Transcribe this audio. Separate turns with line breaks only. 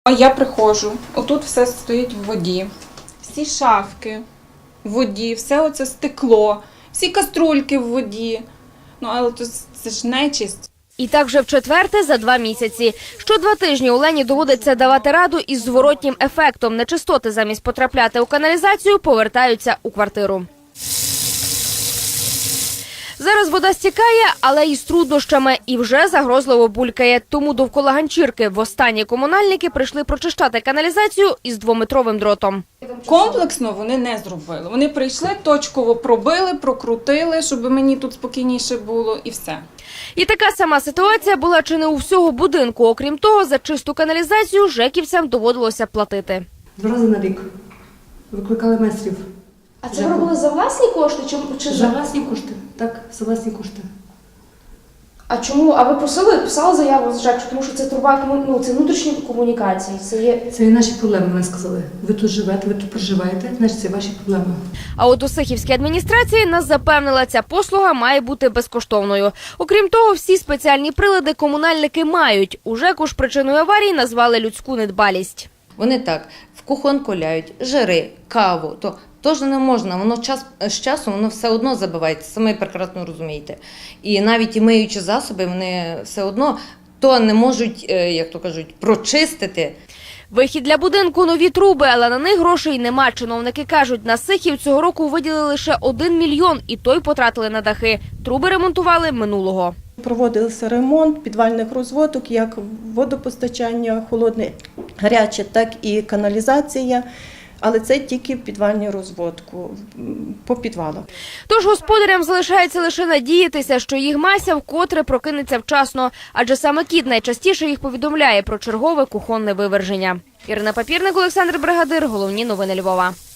А я приходжу, отут все стоїть в воді, всі шафки в воді, все оце стекло, всі каструльки в воді. Ну, але це ж нечисть.
І так вже в-четверте за 2 місяці. Що 2 тижні Олені доводиться давати раду із зворотнім ефектом. Нечистоти замість потрапляти у каналізацію повертаються у квартиру. Зараз вода стікає, але із труднощами і вже загрозливо булькає. Тому довкола ганчірки востаннє комунальники прийшли прочищати каналізацію із 2-метровим дротом.
Комплексно вони не зробили. Вони прийшли, точково пробили, прокрутили, щоб мені тут спокійніше було і все.
І така сама ситуація була чи не у всього будинку. Окрім того, за чисту каналізацію жеківцям доводилося платити.
2 рази на рік викликали майстрів.
А це ви робили за власні кошти? Чи
За власні кошти. Так, за власні кошти.
А чому? А ви писали заяву з ЖЕК, тому що це труба, це внутрішні комунікації.
Це є наші проблеми, вони сказали. Ви тут живете, ви тут проживаєте, значить це ваші проблеми.
А от у Сихівській адміністрації нас запевнила, ця послуга має бути безкоштовною. Окрім того, всі спеціальні прилади комунальники мають. У ЖЕКу ж причиною аварії назвали людську недбалість.
Вони так в кухонку ляють, жири, каву, то теж не можна, воно з часом воно все одно забивається, самі прекрасно розумієте. І навіть і миючі засоби, вони все одно то не можуть, як то кажуть, прочистити.
Вихід для будинку – нові труби, але на них грошей нема. Чиновники кажуть, на Сихів цього року виділили лише 1 мільйон, і той потратили на дахи. Труби ремонтували минулого.
Проводився ремонт підвальних розводок, як водопостачання, холодне, гаряче, так і каналізація. Але це тільки підвальні розводку по підвалах.
Тож господарям залишається лише надіятися, що їх Мася вкотре прокинеться вчасно. Адже саме кіт найчастіше їх повідомляє про чергове кухонне виверження. Ірина Папірник, Олександр Бригадир. Головні новини Львова.